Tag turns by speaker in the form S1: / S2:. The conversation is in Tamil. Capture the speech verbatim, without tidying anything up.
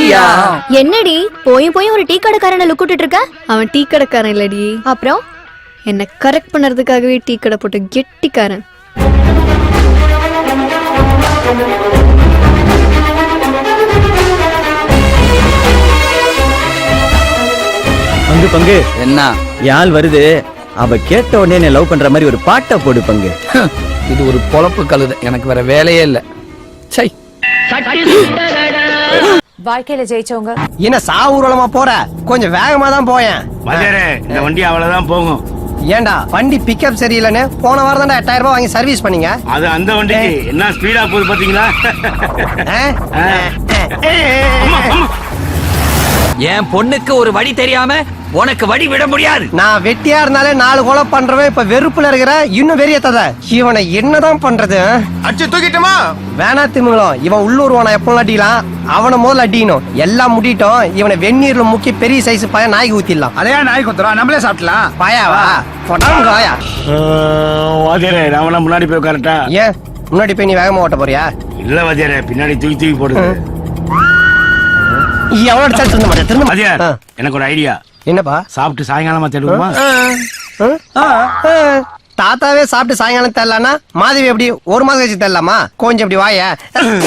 S1: அப்படியா?
S2: என்னடி போய் போய் ஒரு டீ கடைக்காரனை லுக்கிட்டு இருக்க?
S3: அவன் டீ கடைக்காரன் இல்லடி,
S2: அப்புறம்
S3: என்ன கரெக்ட் பண்ணறதுக்காகவே டீ கடை போட்டு கெட்டிக்காரன்.
S1: பங்கு பங்கு
S4: என்ன
S1: யாழ் வருது, அவ கேட்ட உடனே என்ன லவ் பண்ற மாதிரி ஒரு பாட்டை போடு பங்கு.
S4: இது ஒரு பொழப்பு கழுத, எனக்கு வேற வேலையே இல்ல. சை,
S5: வாழ்க்கையில ஜெயிச்சவங்க
S6: என்ன சாவூர்வலமா போற? கொஞ்சம் வேகமா தான் போயேன்.
S7: இந்த வண்டி அவ்வளவுதான் போகும்.
S6: ஏண்டா வண்டி பிக்கப் சரியில்லைன்னு போன வாரம் தான் எட்டாயிரம் ரூபாய் வாங்கி சர்வீஸ் பண்ணீங்க.
S7: அது அந்த வண்டிக்கு என்ன ஸ்பீடா போகுது பாத்தீங்களா?
S4: என் பொண்ணுக்கு ஒரு வழி தெரியாம உனக்கு வழி விட முடியாது.
S6: நான் வெட்டியா இருந்தாலே நாலு கொலை பண்றவன் இப்ப வெறுப்புல இருக்கிற இன்னும் வெறியத்தத. இவனை என்னதான் பண்றது?
S8: அடிச்சு தூக்கிட்டுமா?
S6: வேணா திமுங்களும், இவன் உள்ளூர்வான எப்பவும் அடிக்கலாம், அவனை முதல்ல அடிக்கணும். எல்லாம் முடிட்டோம், இவனை வெந்நீர்ல முக்கி பெரிய சைஸ் பய நாய்க்கு ஊத்திடலாம்.
S8: அதையா நாய் குத்துறோம், நம்மளே சாப்பிடலாம்.
S6: பாயாவா கொடாங்காயா?
S7: வாத்தியாரே, நான் முன்னாடி போய் கரெக்டா?
S6: ஏன் முன்னாடி போய் நீ வேகமா ஓட்ட போறியா?
S7: இல்ல வாத்தியாரே, பின்னாடி தூக்கி தூக்கி போடுது.
S6: எவ்வளவு திருந்த மாட்டேன் திருந்த
S7: வாத்தியார்,
S6: மாட்டேன்.
S7: எனக்கு ஒரு ஐடியா.
S6: என்னப்பா?
S7: சாப்பிட்டு சாயங்காலமா தேடுவோமா?
S6: தாத்தாவே சாப்பிட்டு சாயங்காலம் தரலானா மாதவி எப்படி ஒரு மாசம் கழிச்சு தரலாமா? கொஞ்சம் எப்படி வாய.